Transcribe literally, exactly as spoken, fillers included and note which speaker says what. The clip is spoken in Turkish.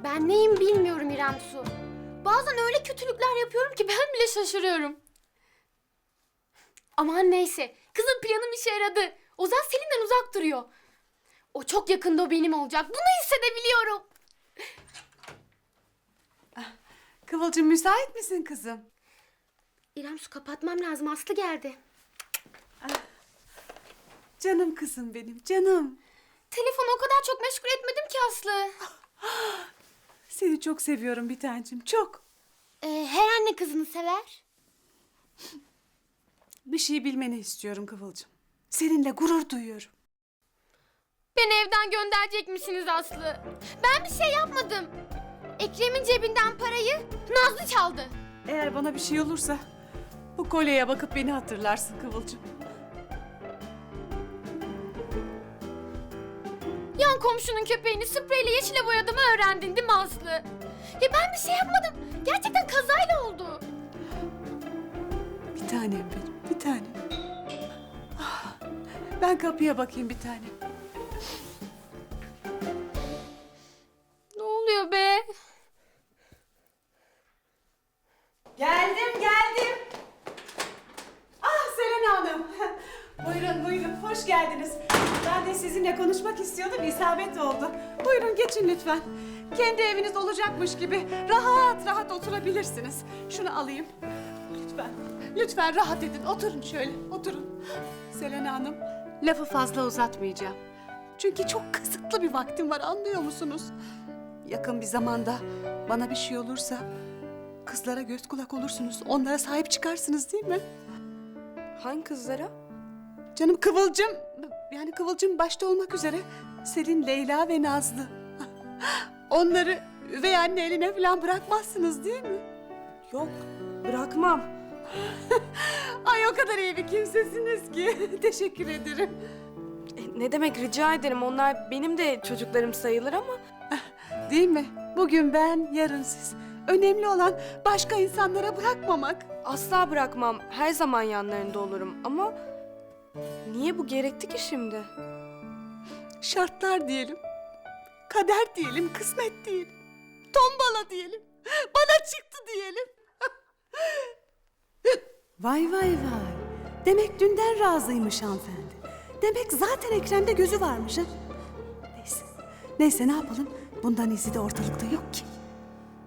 Speaker 1: Ben neyim bilmiyorum İrem Su. Bazen öyle kötülükler yapıyorum ki ben bile şaşırıyorum. Aman neyse. Kızın planım işe yaradı. Ozan Selim'den uzak duruyor. O çok yakında o benim olacak. Bunu hissedebiliyorum.
Speaker 2: Kıvılcım müsait misin kızım?
Speaker 1: İrem Su kapatmam lazım. Aslı geldi.
Speaker 2: Canım kızım benim, canım.
Speaker 1: Telefonu o kadar çok meşgul etmedim ki Aslı.
Speaker 2: Seni çok seviyorum bir tancım, çok.
Speaker 1: Ee, her anne kızını sever.
Speaker 2: Bir şey bilmeni istiyorum Kıvılcım. Seninle gurur duyuyorum.
Speaker 1: Beni evden gönderecek misiniz Aslı? Ben bir şey yapmadım. Ekrem'in cebinden parayı Nazlı çaldı.
Speaker 2: Eğer bana bir şey olursa bu kolyeye bakıp beni hatırlarsın Kıvılcım.
Speaker 1: Yan komşunun köpeğini spreyle yeşile boyadığımı öğrendin değil mi Aslı? Ya ben bir şey yapmadım. Gerçekten kazayla oldu.
Speaker 2: Bir tanem benim, bir tanem. Ah, ben kapıya bakayım bir tanem.
Speaker 1: Ne oluyor be?
Speaker 2: Geldim, geldim. Ah Selena Hanım. Buyurun, buyurun. Hoş geldiniz. Ben de sizinle konuşmak istiyordum, isabet oldu. Buyurun geçin lütfen. Kendi eviniz olacakmış gibi rahat rahat oturabilirsiniz. Şunu alayım. Lütfen, lütfen rahat edin. Oturun şöyle, oturun. Selena Hanım, lafı fazla uzatmayacağım. Çünkü çok kısıtlı bir vaktim var, anlıyor musunuz? Yakın bir zamanda bana bir şey olursa kızlara göz kulak olursunuz. Onlara sahip çıkarsınız değil mi?
Speaker 3: Hangi kızlara?
Speaker 2: Canım Kıvılcım, yani Kıvılcım başta olmak üzere Selin, Leyla ve Nazlı. Onları üvey anne eline falan bırakmazsınız değil mi?
Speaker 3: Yok, bırakmam.
Speaker 2: Ay o kadar iyi bir kimsesiniz ki. Teşekkür ederim.
Speaker 3: E, ne demek, rica ederim. Onlar benim de çocuklarım sayılır ama...
Speaker 2: Değil mi? Bugün ben, yarın siz. Önemli olan başka insanlara bırakmamak.
Speaker 3: Asla bırakmam. Her zaman yanlarında olurum ama... Niye bu gerekti ki şimdi?
Speaker 2: Şartlar diyelim. Kader diyelim, kısmet diyelim. Tombala diyelim. Bana çıktı diyelim. Vay vay vay. Demek dünden razıymış hanımefendi. Demek zaten Ekrem'de gözü varmış ha. Neyse. Neyse ne yapalım? Bundan izi de ortalıkta yok ki.